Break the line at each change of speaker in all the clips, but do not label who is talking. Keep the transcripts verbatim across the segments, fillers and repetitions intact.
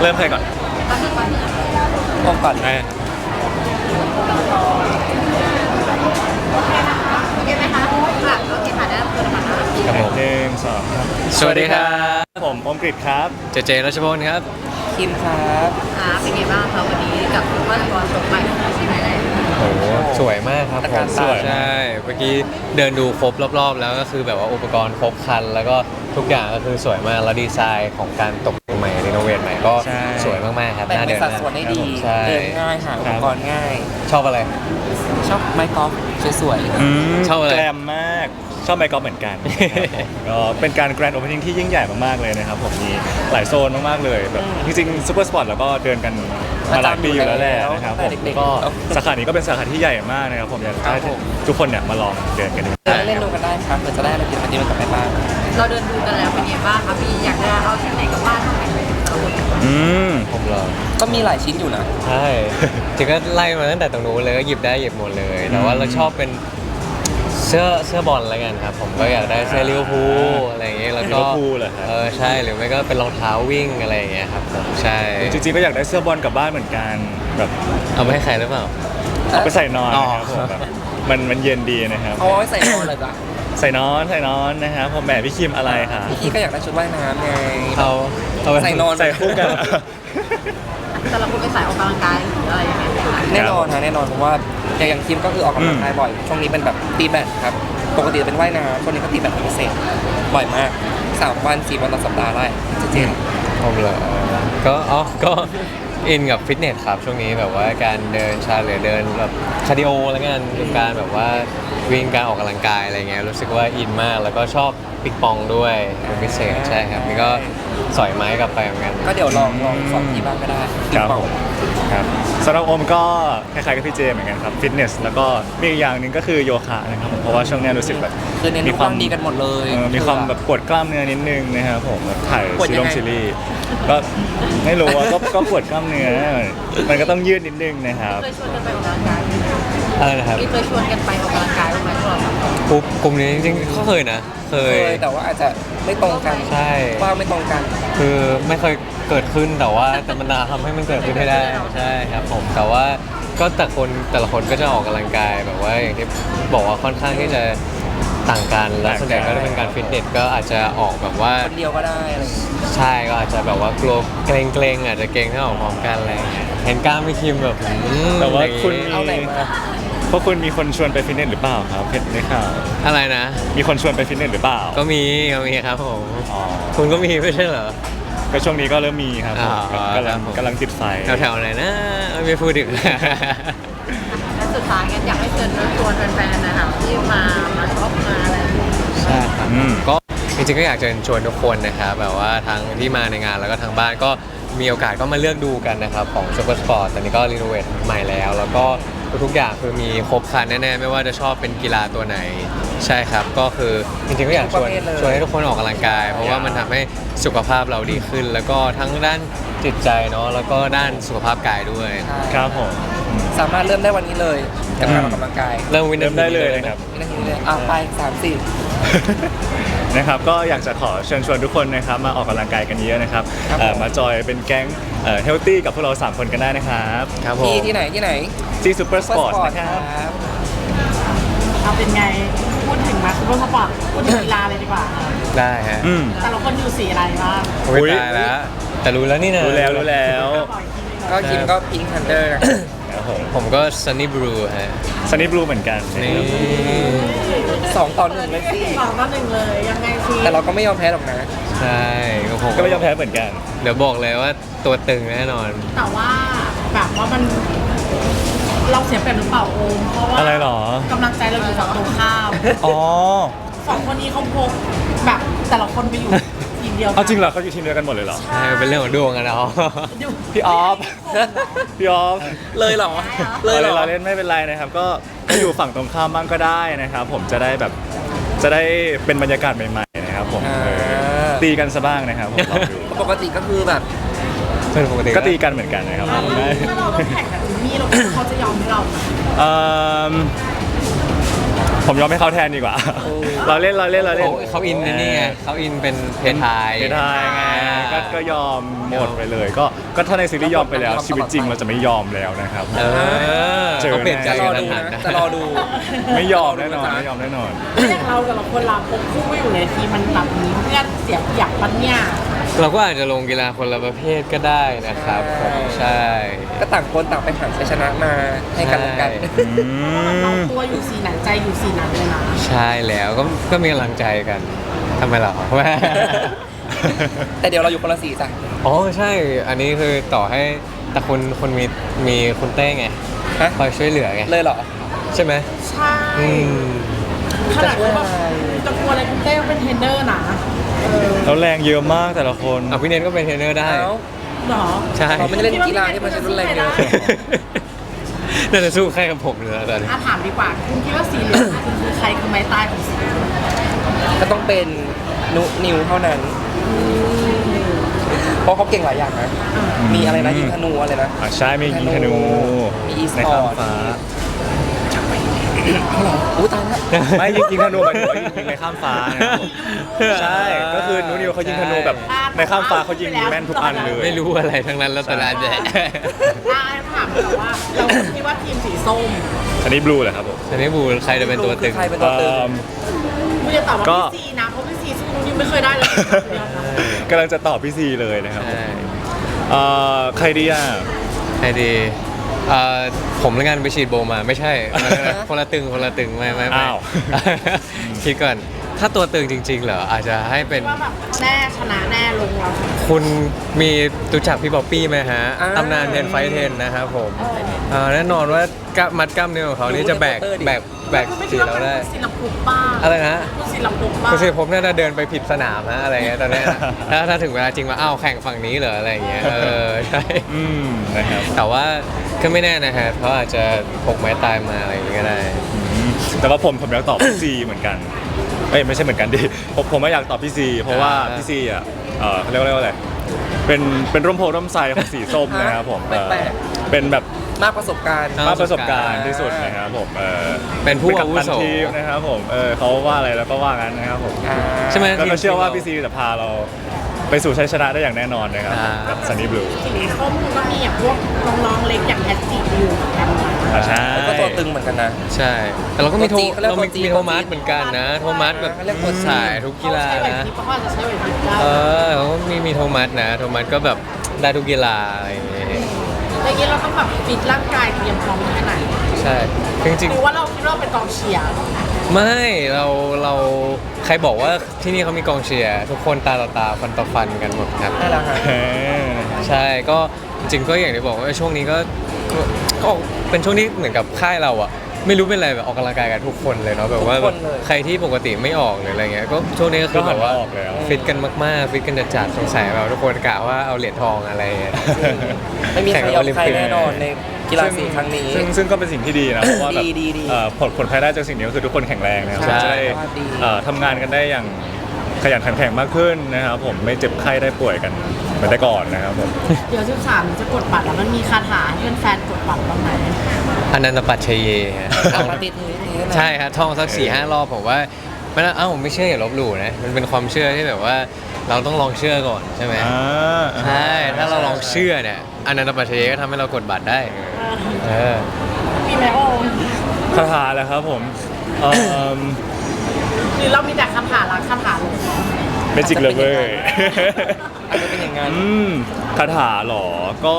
เริ่มใครก่อน
พร้อมก่อน
ไอ้
โอเคไหมคะค่ะโอเคค่ะได้รับตัวนะคะ
ครับผมหนึ่งสองครับ
สวัสดีครับ
ผมอมกฤษครับ
เจเจรัชพลครับคิมครับ
อ่าเป็นไงบ้างคะวันนี้กับว่าตอนจบไปใช่ไหมเลย
โอ้สวยมากครับผม
สวย
ใช่เมื่อกี้เดินดูครบรอบๆแล้วก็คือแบบว่าอุปกรณ์ครบครันแล้วก็ทุกอย่างก็คือสวยมากแล้วดีไซน์ของการตกแต่งใหม่รีโนเวทใหม่ก็สวยมากๆครับ
แต่งเป็นสัดส่วนได้ดีเดินง่ายหาอุปกรณ์ง่าย
ชอบอะไร
ชอบไม้กอล์ฟสวย
ๆชอบอะไร
แกรมมากชอบไมค์กอล์ฟเหมือนกันก็เป็นการแกรนด์โอเพนนิ่งที่ยิ่งใหญ่มากๆเลยนะครับผมมีหลายโซนมากๆเลยแบบจริงๆซูเปอร์สปอร์ตแล้วก็เดินกันมาหลายปีอยู่แล้วแหละนะครับผมก็สาขานี้ก็เป็นสาขาที่ใหญ่มากนะครับผมอยากให้ทุกคนเนี่ยมาลองเดินกันดู
เล่นดูกันได้ครับเผื่อจะได้อะไรกินวันนี้มันกลับไปบ้าง
เราเดินดูกันแล้วเป็นไงบ้างคะพี่อยากจะเอาที่ไหนกับบ้านเท่าไหร่
อืม
ผมเหรอ
ก็มีหลายชิ้นอยู่นะ
ใช่จริงก็ไล่มาตั้งแต่ตรงนู้นเลยก็หยิบได้หยิบหมดเลยแต่ว่าเราชอบเป็นเสื้อเสื้อบอลอะไรกันครับผมก็อยากได้เสื้อลิเวอร์พูลอะไรอย่างเงี้ยแล้วก็เออใช่หรือไม่ก็เป็นรองเท้าวิ่งอะไรอย่างเงี้ยครับผมใช่
จริงๆก็อยากได้เสื้อบอลกลับบ้านเหมือนกันแบบ
เอาไปให้ใครหรือเปล่า
เอาไปใส่นอนนะครับผมแบบมันมันเย็นดีนะครับ
เอาไว้ใส่นอนเลยจ้ะ
ใส่นอนใส่นอนนะครับผมแหมพี่คิมอะไรคะ
พี่ก็อยากได้ชุดว่ายน้ำไง
เอาเอาไป
ใส่นอน
ใส่คู่กัน
แต่เราคุณไปใส่ออกกำลังกายหรืออะไรยังไง
แน่นอนนะแน่นอนเพราะว่าอย่างคิมก็คือออกกำลังกายบ่อยช่วงนี้เป็นแบบตีแบดครับปกติเป็นว่ายน้ำช่วงนี้ก็ตีแบดเป็นพิเศษบ่อยมากสามวันสี่วันต่อสัปดาห์ได้เจน
ผมเหรอก็อ๋อก็อินกับฟิตเนสครับช่วงนี้แบบว่าการเดินชาหรือเดินแบบคาร์ดิโอแล้วกันการแบบว่าวิ่งการออกกำลังกายอะไรเงี้ยรู้สึกว่าอินมากแล้วก็ชอบปิกปองด้วยเป็นพิเศษใช่ครับนี่ก็สอยไม้กลับไปเหมือนกัน
ก็เดี๋ยวลองลองสอนที่บ้านก็ได้
ครับครับสำหรับโอมก็คล้ายๆกับพี่เจเหมือนกันครับฟิตเนสแล้วก็มีอีกอย่างหนึ่งก็คือโยคะนะครับเพราะว่าช่วงนี้รู้สึกแบบ
มีความดีกันหมดเลย
มีความแบบปวดกล้ามเนื้อนิดนึงนะครับผมแบบถ่ายซีรีส์ซีรีส์ก็ไม่รู้ว่าก็ก็ปวดกล้ามเนื้อมันก็ต้องยืดนิดนึงนะครับ
เคยชวนกันไปออกกำลังกาย
อะไรนะครับ
เคยชวนกันไปออกกำลังกายไหมพวกเรา
กลุ่มกลุ่มนี้จริงๆก็เคยนะเคย
แต่ว่าอาจจะไม่ตรงกัน
ใช่
ว่าไม่ตรงกัน
คือไม่เคยเกิดขึ้นแต่ว่าแต่มันทำให้มันเกิดขึ้นให้ได้ใช่ครับผมแต่ว่าก็แต่คนแต่ละคนก็จะออกกำลังกายแบบว่าอย่างที่บอกว่าค่อนข้างที่จะต่างกันแล้วส่วนใหญ่ก็จะเป็นการฟิตเนสก็อาจจะออกแบบว่า
คนเดียวก็ได้อะไร
ใช่ก็อาจจะแบบว่ากลัวเกรงเกรงอาจจะเกรงถ้าออกพร้อมกันอะไรเห็นกล้ามไม่คิมแบบ
แต่ว่าคุณ
เอาไหนมา
เพราะคุณมีคนชวนไปฟิตเนสหรือเปล่าครับเพชรในข่าว
อะไรนะ
มีคนชวนไปฟิตเนสหรือเปล่า
ก็มีก็มีครับผมคุณก็มีไม่ใช่เหรอ
ก็ช่วงนี้ก็เริ่มมีครับกำลังกำลังติดไฟ
แถวๆไหนนะไม่พูดถึง
และสุดท้ายกันอยากให้เชิญชวนแฟนๆนะครับที่มามาช็อปมาอะไร
ใช่ครับก็จริงๆก็อยากจะชวนทุกคนนะครับแบบว่าทั้งที่มาในงานแล้วก็ทางบ้านก็มีโอกาสก็มาเลือกดูกันนะครับของซูเปอร์สปอร์ตตอนนี้ก็รีโนเวทใหม่แล้วแล้วก็ทุกอย่างคือมีครบครันแน่ๆไม่ว่าจะชอบเป็นกีฬาตัวไหนใช่ครับก็คือจริงๆก็อยากชวนชวนให้ทุกคนออกกำลังกายเพราะว่ามันทำให้สุขภาพเราดีขึ้นแล้วก็ทั้งด้านจิตใจเนาะแล้วก็ด้านสุขภาพกายด้วย
ครับผม
สามารถเริ่มได้วันนี้เลยกับการออกกำลังกาย
เริ่มวิน
เริ่มได้เลยนะครับ
วินาทีเลยอ่ะไปสามสี่
นะครับก็อยากจะขอเชิญชวนทุกคนนะครับมาออกกำลังกายกันเยอะนะครับมาจอยเป็นแก๊งเฮลตี้กับพวกเราสามคนกันได้นะครับ
ครับผม
ที่ที่ไหนที่ไหน
ที่ซูเปอร์สปอร์ตนะครับ
เอาเป็นไงพูดถึงมาซูเปอร์สปอร์ตพูดถึงกีฬาเลยดีกว่า
ได้ฮะ
แต่ละคนอยู่สีอะไรบ้าง
อุ้ยตายแล้วแต่รู้แล้วนี่นะ
รู้แล้วรู้แล้ว
ก็คิมก็พิงค์ทันเดอร์
ผมก็ซันนี่บลูฮะ
ซันนี่บลูเหมือนกัน
นี่
สองต่อหนึ่งเลยสิ
สองต่อหนึ่งเลยยังไงสิ
แต่เราก็ไม่ยอมแพ้หรอกนะ
ใช่
ก็ผมก็ไม่ยอมแพ้เหมือนกัน
เดี๋ยวบอกเลยว่าตัวตึงแน่นอน
แต่ว่าแบบว่ามันเราเสียเปรียบหรือเปล่าโอมเพราะว่า
อะไรหร
อกำลังใจเราอยู่ฝั่งตรงข้าม
อ๋อ
สองคนนี้เขาพกแบบแต่ละคนไปอยู่ทีมเดียว
เอาจริงเหรอเขาอยู่ทีมเดียวกันหมดเลยเหรอ
ใช่เป็นเรื่องของดวงกันเนาะ
พี่ออฟพี่ออฟ
เลยเหรอ
เลยเหรอเราเล่นไม่เป็นไรนะครับก็อยู่ฝั่งตรงข้ามบ้างก็ได้นะครับผมจะได้แบบจะได้เป็นบรรยากาศใหม่ๆนะครับผมตีกันซะบ้างนะครับผม
ปกติก็คือแบบ
ปกติก็ตีกันเหมือนกันนะครับถ้า
เราต้องแข่งกับทีมนี้เราเขาจะยอมให้เรา
เอ่อผมยอมให้เขาแทนดีกว่า เราเล่นเราเล่นเราเล่น
เขาเขาอินในนี่ไงเขาอินเป็นเพทไทย
เพทายไงก็ก็ยอมหมดไปเลย ก็ก็ถ้าในซีรีส์ยอมไปแล้ว ชีวิตจริงเราจะไม่ยอมแล้วนะครับ
เออ
เจอ
เขาเปลี่ยนใจ
จะร
กั
อน ดู
ทัน
นะ
นะ
จะรอดู
ไม่ยอมแน่นอนไม่ยอมแน่นอน
แล้วอย่างเราแต่ละคนเราคงคู่ไม่อยู่ในทีมมันแบบมีเพื่อนเสียอยากปัญญา
เราก็อาจจะลงกีฬาคนละประเภทก็ได้นะครับผมใช่
ก็ต่างคนต่างไปหาชัยชนะมาให้กันและกัน
เราตัวอยู่สีไหนใจอยู่สีนั้นเลยนะ
ใช่แล้วก็ก็มีกำลังใจกันทำไมล่ะ
แต่เดี๋ยวเราอยู่คนละสีจ้ะ
อ๋อใช่ อันนี้คือต่อให้แต่คุณคุณมีมีคุณเต้ไง
ฮะ
คอยช่วยเหลือไง
เลยเหรอ
ใช่ไหม
ใช่
อืม
ขนาดว่าแบบจะกลัวอะไรคุณเต้ก็เป็นเทรนเนอร์นะเออ
แล้วแรงเยอะมากแต่ละคน
อ่ะพี่เนนก็เป็นเทรนเนอร์ได้
เอ้า
เหรอ
ใช่
เราไม่ได้เล่นกีฬาที่มันใช้รุนแรงเยอะ
น่าจะสู้ใครกับผมเลยตอนนี้
อ่ะถามดีกว่าคุณคิดว่าสีเหลืองคุณคือใครคือไม้ตายของสีเหลือง
ก็ต้องเป็นนุนิวเท่านั้น เพราะเขาเก่งหลายอย่างนะ มีอะไรนะยิงธนูอะไรนะ
อ่ะใช่มียิงธนู
มีอีส
ใน
ปอ
ข้าม
ร์ต
ฟ้า
อู้ตายแล้ว
ไม่ยิงยิงธนูหมายถึงว่ายิงยิงในข้ามฟ้านะครับผมใช่ก็คือนูนิวเขายิงธนูแบบในข้ามฟ้าเขายิงแม่นทุกอันเลย
ไม่รู้อะไรทั้งนั้นแล้วแต่ละแดะ
อ่ะถามแบบว่าเราคิดว่าทีมสีส้ม
อันนี้บลูเหรอครับผม
ทีนี้บูใครจะเป็นตัวตึง
ใครเป็นตัวตึง
เอิ่ม
ไม่ได้ตอบว่า
ก็
พี่ซีนะเพราะพี่ซีสู้นุ่นยังไม่เคยได้เลย
กำลังจะตอบพี่ซีเลยนะครับ
ใช่
เอ่อใครดีอ่ะ
ใครดีเอ่อผมแล้วกันไปฉีดโบมาไม่ใช่มันคนละตึงคนละตึงไม่ไม่ไม่
อ้าว
คิดก่อนถ้าตัวตึงจริง ๆ เหรออาจจะให้เป็น
ว่าแบบแน่ชนะแน่ลงเรา
คุณมีรู้จักพี่บ๊อบปี้ไหมฮะ
อ่า
ตำนานเทนไฟเทนนะครับผมอ่าแน่นอนว่ากล้ามมัดกล้ามเนื้อของเขานี่จะแบก
ดูในโปสเตอร์ดิ
แบกแบก
ไม่
สี
คิดว่า
เรา
เป็น
ได้
ศิลปุบ้าง
อะไรนะ
คุณศิลปุบ้าง
คุณสิผมน่าจะเดินไปผิดสนามนะอะไรเงี้ยตอนเนี้ยนะถ้าถ้าถึงเวลาจริงว่าอ้าวแข่งฝั่งนี้เหรออะไรเงี้ยเออใช่
อืมนะครับ
แต่ว่าก็ไม่แน่นะฮะเขาอาจจะพกไม้ตายมาอะไรอย่างงี้ก็ได้
อืมแต่ว่าผมผมอยากตอบพี่ซีเหมือนกันเอ้ยไม่ใช่เหมือนกันดิผมผมไม่อยากตอบพี่ซีเพราะว่า
อ่า
พี่ซีอ่ะเออเขาเรียกว่าเรียกว่าอะไรเป็นเป็นร่มโพร่มไทรของสีส้มนะครับผมเออ
แปลก
เป็นแบบ
มากประสบการณ์
อ่
มากประสบการณ์ที่สุดนะครับผมเออ
เป็นผู้
กัปตัน
อาวุโส
ทีมนะครับผมเออเขาว่าอะไรแล้วก็ว่างั้นนะครับผม
อ่า
ใช่ไหม
แล้วก็เชื่อว่าพี่ซีจะพาเราไปสู่ชัยชนะได้อย่างแน่นอนนะครับ
อ่า
กับซันนี่บลู
สีส้มก็มีอย่างพวกน้องๆเล็กอย่างแพทจิอยู่เหมือนกันนะ
ใช่
ก็ตัวตึงเหมือนกันนะ
ใช่ แต่เราก็มีโท
ตัวจริงเขาเรียก
เรามี
ตัวจริง
มีโทมัสเหมือนกันนะ โทมัสแบบ
เขาเรียกตัวจริง
สายทุกกีฬา
เขาใช้ไหว
นะ
พริบเพราะว่าจะใช้ไหวพริบได้
เออเขาก็มีมีโทมัสนะ โทมัสก็แบบได้ทุกกีฬาอะไรอย่างเงี้ย
อย่างนี้เราต้องแบบฟิตร่างกายเตรียมพร้อมแค่ไหน
ใช่จริง
หรือว่าเราคิดว่าเราเป็นกองเชียร์
ๆไม่เราเราใครบอกว่าที่นี่เขามีกองเชียร์ทุกคนตาต่อตาฟันต่อฟันกันหมดครับ
นั่นแหละฮะ
เออ
ใช่ก็จริงๆก็อย่างที่บอกว่าช่วงนี้ก็ก็ก็เป็นช่วงที่เหมือนกับค่ายเราอะไม่รู้เป็นอะไรแบบออกกำลังกายกันทุกคนเลยเนาะแบบว่า
ทุกคนเลย
ใครที่ปกติไม่ออกหรืออะไรเงี้ยก็ช่วงนี้ก็คือแบบว่า
ก็หันมาออกแล้ว
ฟิตกันมากๆฟิตกันจัดๆสงสัยแบบทุกคนกะว่าเอาเหรียญทองอะไรเงี้ย
ไม่มีใคร
แข่ง
ยอม
โอลิม
ใคร
ปิก
แน่นอนในกีฬาสีครั้งนี้
ซึ่งซึ่งก็เป็นสิ่งที่ดีนะเพราะว่าแบบ
ดีดีดี
เอ่อผลผลภายได้จากสิ่งนี้ก็คือทุกคนแข็งแรงนะครับ
ใช่
จะได้
ดี
เอ่อทำงานกันได้อย่างขยันขันแข็งมากขึ้นนะครับผมไม่เจ็บไข้ได้ป่วยกันเหมือนแต่ก่อนนะครับผม
เดี๋ยวสิบสามจะกดบัตรแล้วมันมีคาถาให้แฟนๆกดบัตรบ้างไหม
อนันตปัจเชเยฮะ
สามารถติดนี้ได้ไหม
ใช่ครับท่องสักสี่ห้ารอบผมว่าไม่น่าเอ้าผมไม่เชื่ออย่าลบหลู่นะมันเป็นความเชื่อที่แบบว่าเราต้องลองเชื่อก่อนใช่ไหม
อ่า
ใช่ ถ้าเราลองเชื่อเนี่ยอนันตปัจเชเยก็ทำให้เรากดบัตรได้เออ
มีไหมโอม
คาถาแหละครับผมเอ่อ
หรือเรามีแต่คาถารักคาถาหลง
เมจิกเลเวอร์
อาจจะเป็นอย่างนั้น
อืมคาถาเหรอ ก็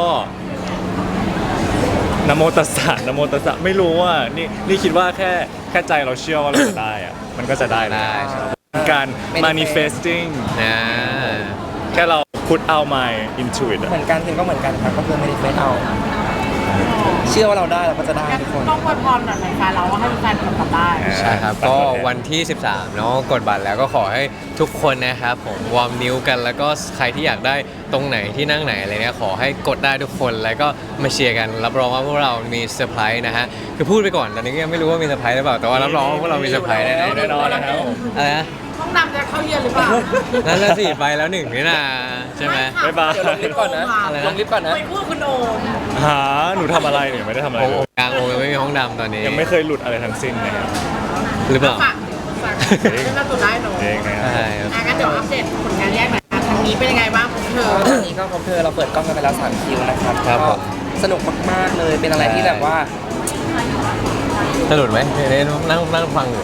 นะโมตัสสะนะโมตัสสะไม่รู้ว่านี่นี่คิดว่าแค่แค่ใจเราเชื่อว่าเราจะได้อะมันก็จะได้
ได้
ใช่ครับการ manifesting
นะ
แค่เรา put out my into it อะ
เหมือนกันทีมก็เหมือนกันครับก็คือไม่ได้เฟซเอา เชื่อว่าเราได้เราก็จะได้
งั้น
ทุกคน
ต้องอวยพรหน่อยไหมคะเราว่าให้แฟนๆกดบัตรได้
ใช่ครับ ก็วันที่ สิบสาม เนาะกดบัตรแล้วก็ขอให้ทุกคนนะครับผมวอร์มนิ้วกันแล้วก็ใครที่อยากได้ตรงไหนที่นั่งไหนอะไรเนี้ยขอให้กดได้ทุกคนแล้วก็มาเชียร์กันรับรองว่าพวกเรามีเซอร์ไพรส์นะฮะคือพูดไปก่อนตอนนี้ก็ยังไม่รู้ว่ามีเซอร์ไพรส์หรือเปล่าแต่ว่ารับรองว่าพวกเรามีเซอร์ไพรส์แน่ๆ
แน่นอนนะครับผม
อะไรนะ
ห้องน้ำจะเข้าเย็นหรือเปล่า
นั่นละสิไปแล้วหนึ่งนี่นะใช่ไหม
ค่ะ
บ๊ายบาย
เดี๋ยวลงลิฟต์ก่อนนะ
อะไรนะ
ลงลิฟต์ก่อนนะ
ไปพูดคุณโอม
หาหนูทำอะไรเนี่ยไม่ได้ทำอะไร
โอ้
เล
โห
ย
กลางโองยังไม่มีห้องดำตอนนี้
ยังไม่เคยหลุดอะไรทั้งสิ้นนะครับ
หรือเปล่า
ฝากฝากเรื่องการตัวได้หนู
เองนะครับ
ใช่ครับ
อ่ะงั้นเดี๋ยวอัปเดตผลงานแยกหน่อยนะทางนี้เป็นยังไงบ้างของเธอ
ตอนนี้ก็พบเธอเราเปิดกล้องกันไปแล้วสามคิวนะครับ
ครับ
ก็
ผม
สนุกมากๆเลยเป็นอะไรที่แบบว่า
สนุกไหมเดี๋ยวนั่งนั่งฟังอยู่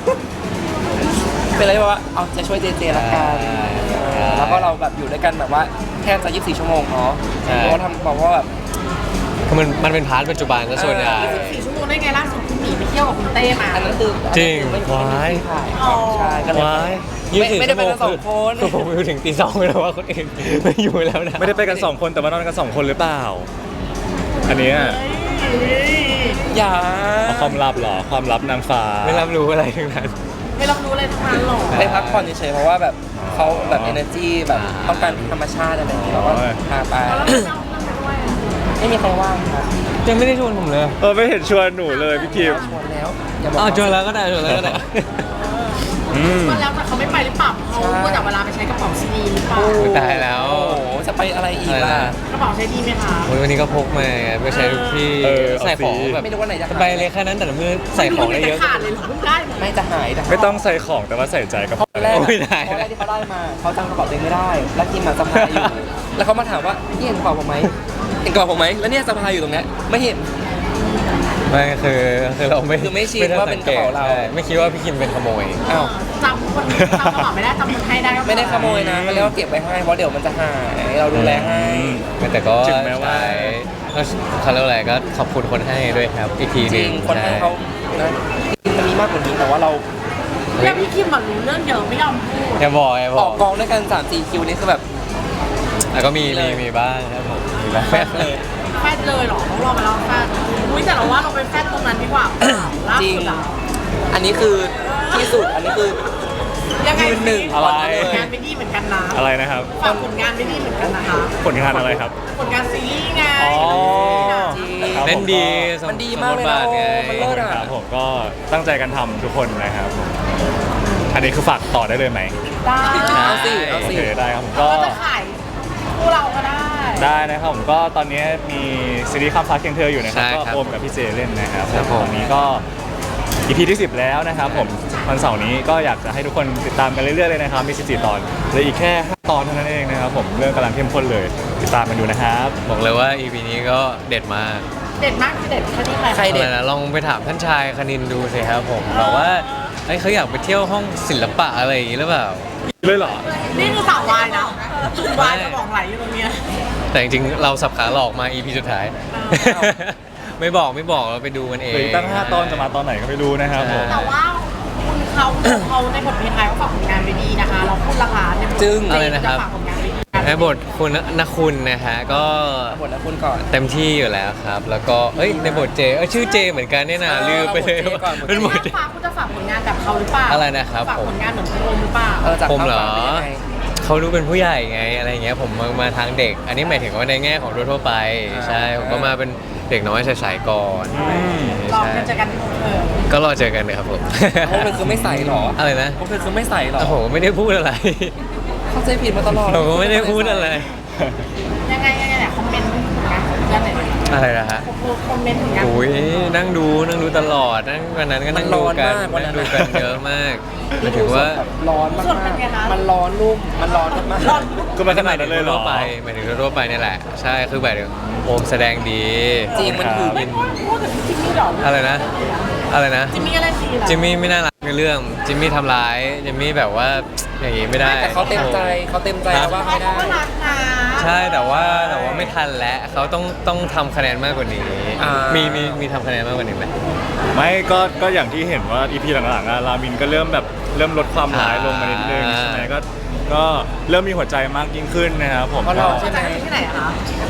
เป็นอะไรที่แบบว่าเอาจะช่วยเจเจละกัน
ใช่
แล้วก็เราแบบอยู่ด้วยกันแบบว่าแทบจะยี่สิบสี่ชั่วโมงเนาะ
ใช่
เพราะว่าทำบอกว่าแบบ
คือมันมันเป็นพาร์ทปัจจุบันซะส่วนใหญ่
สี่ชั่วโมงได้ไงล่าสุดคุณหมีไปเที่ยวกับคุณเต้มา
อันนั้นคือ
จริง
อันนั้นคือไม่
ว้าย
ไม่ถ่ายครับใช่ก็เลย
ว้าย
ไม่ไม่ได้ไปกันสองคน
คือผมอยู่ถึงตีสองเลยว่าคนอื่นไม่อยู่แล้วนะ
ไม่ได้ไปกันสองคนแต่ว่านอนกันสองคนหรือเปล่า อันเนี้ย
อย่า
เอาความลับเหรอความลับนางฟ้า
ไม่รับรู้อะไรทั้งนั้น
ไม่รับรู้อะไรทั้งนั้นหรอก
ไปพักผ่อนเฉยๆเพราะว่าแบบเขาแบบ energy แบบต้องการธรรมชาติอะไรอย่างเงี้ยเราก็พาไป
แล้วเราเอาเพื่อนไปด้วยอ่ะ
ไม่มีใครว่างครับ
ยังไม่ได้ชวนผมเลย
เออไม่เห็นชวนหนูเลยพี่คิม
ชวนแล้วอย่าบอก
อ้าวชวนแล้วก็ได้ชวนแล้วก็ได้
อืม
ก็แล้วแต่เขาไม่ไปหรือเปล่าเขาก็แต่เวลาไปใช้กระเป๋าซีดีหรือเปล่า
โอ้ยตายแล้ว
โอ้โหจะไปอะไรอีกล่ะ
กระเป๋าใช้ดีไหมคะ
โอ้ยวันนี้ก็พกมาไงไปใช้ทุกที่
เออ
ใส่ของ
เอาสิ
แบบ
ไม่รู้ว่าไหนจะ
สบายเลยแค่นั้นแต่ละมือใส่ของได้เยอะ
ขาดเลยเหรอเพิ่งได้มา
ไม่จะหายแต่
ไม่ต้องใส่ของแต่ว่าใส่ใจกับ
เพราะแรก
โอ้
อะ
ยได้
เพราะแรกที่เขาได้มาเขาจำกระเป๋าตัวเองไม่ได้ แล้วกิมอะสะพายอยู่ แล้วเขามาถามว่านี่เห็นกระเป๋าผมไหมเห็นกระเป๋าผมไหมแล้วเนี่ยสะพายอยู่ตรงเนี้ยไม่เห็น
ไม่คือคือเราไม่
คือไม่ชิน
ด้
ว่าเป็นกระเป๋าเรา
ใช่ไม่คิดว่าพี่คิมเป็นขโมย
อ้าว
จำคนจำกระเป๋าไม่ได้จำคนให้ได้ก็พอ
ไม่ได้ขโมยนะเขาเรียกว่าเก็บไว้ให้เพราะเดี๋ยวมันจะหายเราดูแลให้
แต่ก็
ถึงแม้ว่า
ใช้ก็เขาเรียกว่าอะไรก็ขอบคุณคนให้ด้วยครับ อีกทีห
จ
นึ
ริ
ง
งคนให้เขานะมันมีมากกว่านี้แต่ว่าเรา
แล้วพี่คิมแบบรู้เรื่องเยอะไม่ยอมพูด
อย่าบอกอย่าบ
อ
อ
อก กกองด้วยกันสามสี่คิวนี่คือแบบ
แล้วก็มีมีมีบ้างครับผมมีบ้าง
แฟดเลย
แฟดเลยเหรอต้องรอมาแล้วแฟดอุ้ยแต่เราว่าเราไปแฟดตรงนั้นดีกว่าล่า
จริง
สุดอะ
อันนี้คือที่สุดอันนี้คือ
ยังไง
ยืนหนึ่ง
อะไร
ผลงานไม่ดีเหมือนกันนะ
อะไรนะครับ
ฝากผลงานไม่ดีเหมือนกันนะคะ
ผลงานอะไรครับ
ผลงานซีรีส์ไง
อ๋อ
จริง
ครับ
เล่นดีส
มันดีมากเลย
ส
นะ
บทบาทไง
มันเลิศอะ
ครับผมก็ตั้งใจกันทำทุกคนนะครับผมอันนี้คือฝากต่อได้เลยไหม
ได้
เอาสิเอา
โอ
สิ
เคได้ครับผม
ก็
ก็
จะขายคู่เราก็ได้
ได้นะครับผมก็ตอนนี้มีซีรีส์ข้ามฟ้าเคียงเธออยู่นะครับ
ใช่
ก็
ครับ
โอมกับพี่เจเล่นนะครับ
ครับผม
ตอนนี้ก็ อี พี ที่สิบแล้วนะครับผมวันเสาร์นี้ก็อยากจะให้ทุกคนติดตามกันเรื่อยๆเลยนะครับมีสิบสี่ตอนเหลืออีกแค่ห้าตอนเท่านั้นเองนะครับผมเรื่องกำลังเข้มข้นเลยติดตามกันดูนะครับ
บอกเลยว่า อี พี นี้ก็เด็ดมาก
เด็ดมากคือเด็ดแค่ที่ใคร
ใคร เด็ด
อะไรนะลองไปถามท่านชายคณินดูสิครับผมบอกว่าเอ้ยเขาอยากไปเที่ยวห้องศิลปะอะไรอย่างนี้หรือเปล่า
เลยเหรอ
นี่คือสาววายนะวายจะบอกไหลอยู่ตรงเนี้ย
แต่จริงๆเราสับขาหลอกมา อี พี สุดท้าย
อ้าว
ไม่บอกไม่บอกเราไปดูกันเอ
เหลือง อีกตั้งห้าตอนจะมาตอนไหนก็ไม่รู้นะครับผม
แต่ว่าคุณเขาเขาในบทเพลงไทยเขาฝากผลงานไปดีนะคะ เราพูดราคาในบท
จึ้ง
อะไรนะครับ
ฝากผลงานไปดี
ในบทคุณนคุณนะฮะก็
บทแล้วคุณก่อน
เต็มที่อยู่แล้วครับ แล้วก็เอ้ยในบทเจเอ้ยชื่อเจเหมือนกันเนี่ยนะ
เออ
ลืมไปเลย
บทเจก่อน
เป็นบท
เจฝากคุณจะฝากผลงานแบบเขาหรือเปล่า
อะไรนะครับ
ฝาก
ผม
ผลงานเหมือนคุณโอมหรือเปล่า
เออจาก
ผม
ข้าว
เหรอ
สารเป็นยังไง
เขาดูเป็นผู้ใหญ่ไงอะไรเงี้ยผมมามาทางเด็ก อันนี้หมายถึงว่าในแง่ของทั่วๆไป
อ่า
ใช่ผมก็มาเป็นเด็กน้อยใสๆก่อน
ลอง
ใช่
กันเจอกันเออ
ก็รอเจอกันเลยครับผม
พวกเธอคือไม่ใส่หรอ
อะไรนะ
พวกเธอคือไม่ใส่หรอ
โอ้โหไม่ได้พูดอะไร
เข้าใจผิดมาตลอด
ผมก็ไม่ได้พูดอะไร
ยังไงยังไงเนี่ยคอมเมนต์ผลงานของเพื่อนหน่อย
อะไรนะฮะ
คอมเมนต์ผลงาน
โอ้ยนั่งดูนั่งดูตลอดนั่งวันนั้นก็นั่งดูกันนั่งดูกันเยอะมากหมายถึงว่า
ร้อนมากๆมันร้อนรุ่มมันร้อนมากๆ
ก็มาขนาดนั้นเลยเหรอ
ทั่วไปหมายถึงทั่วไปนี่แหละ ใช่คือแบบโอมแสดงดี
จริงมันถือ
ไม่พูดพูดถึงจิมมี่หรอ
อะไรนะ อะไรนะ
จิมมี่อะไรดีล่ะ
จิมมี่ไม่น่ารักในเรื่องจิมมี่ทำร้ายจิมมี่แบบว่าอย่างงี้ไม่ได้
แต่เขาเต็มใจเขาเต็มใจแล้วว่า
เขา
ไม่ได้
ก็รักนะ
ใช่แต่ว่าแต่ว่าไม่ทันแล้วเขาต้องต้องทำคะแนนมากกว่านี้
อ่ามี
มีมีมีทำคะแนนมากกว่านี้ไหม
ไม่ก็ก็อย่างที่เห็นว่า อี พี หลังๆอะรามินก็เริ่มแบบเริ่มลดความร้ายลงมานิดนึง
อ่า
ใช่ไหมก็ก็เริ่มมีหัวใจมากยิ่งขึ้นนะครับผม
เพราะเราใช่ไหม
จากที่ไหนอะคะ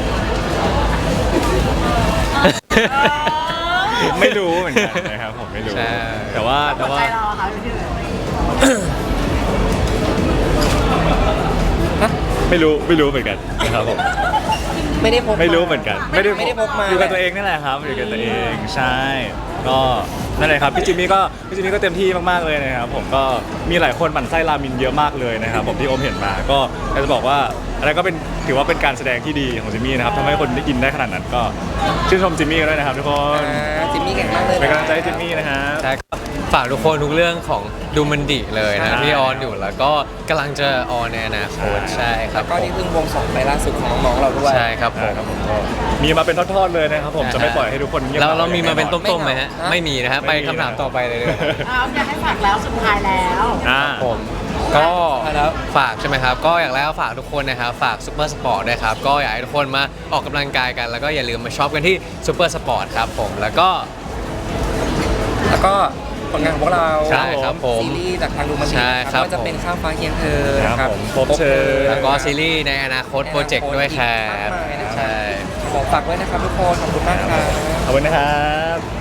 ไม่รู้เหมือนกันนะครับผมไม่รู้
ใช่
แต่ว่าแต่
หัว
ว่า
ใจเราอะคะอยู่ที่ไหน
ไม่รู้ไม่รู้เหมือนกันนะครับผม
ไม่ได้พกา
ไม่รู้เหมือนกัน
ไม่ได้ไม่ได้พกมา
อยู่กับตัวเองนี่แหละครับอยู่กับตัวเองใช่ก็นั่นเลยครับพี่จิมมี่ก็พี่จิมมี่ก็เต็มที่มากๆเลยนะครับผมก็มีหลายคนหมั่นไส้รามินเยอะมากเลยนะครับผมที่โอมเห็นมาก็อยากจะบอกว่าอะไรก็เป็นถือว่าเป็นการแสดงที่ดีของจิมมี่นะครับทำให้คนได้ยินได้ขนาดนั้นก็ชื่นชมจิมมี่ด้วยนะครับทุกคน
อ่าจิมมี่เก่งมากเลย
เป็นกำลังใจให้จิมมี่นะครับ
ใช่ก็ฝากทุกคนทุกเรื่องของดูมันดิเลยนะ
ใช่
ที่ออนอยู่แล้วก็กำลังจะออนในอนาคตใช่ครับ
ก็นี่เพิ่งวงสองไปล่าสุดของน้องๆเราด้วย
ใช่ครับผม
ครับผมก็มีมาเป็นทอดๆเลยนะครับผมจะไม่ปล่อยให้ทุกคนเงียบ
เรา
หง
เรามีมาเป็น
แอ
ต้มๆไหมฮะ
ไม่
ไม่มีนะฮะ
ไม่
ไป
มี
คำถามต่อไปเลยเลย
เอาอยากให้ฝากแล้วสุดท้ายแล้ว
อ่า
ผมก็
แล้ว
ฝากใช่ไหมครับ ก็อย่างแรกก็ฝากทุกคนนะครับฝากซูเปอร์สปอร์ตด้วยครับก็อยากให้ทุกคนมาออกกำลังกายกัน แล้วก็อย่าลืมมาช็อปกันที่ซูเปอร์สปอร์ตครับผมแล้วก็
แล้วก็ผลงานของพวกเรา
ใช่ครับผม
ซีรีส์จากทางดูมันดี
ใช่ครับ
ก็จะเป็นข้ามฟ้าเคียงเธอ
ครับ
นะครับ
ผมพบเธอ
แล้วก็ซีรีส์ในอนาคตโปรเจกต์ด้วยครับ
มากมายนะครับ
ใช่
ขอฝากไว้นะครับทุกคนขอบคุณมากครับ
ขอบคุณนะครับ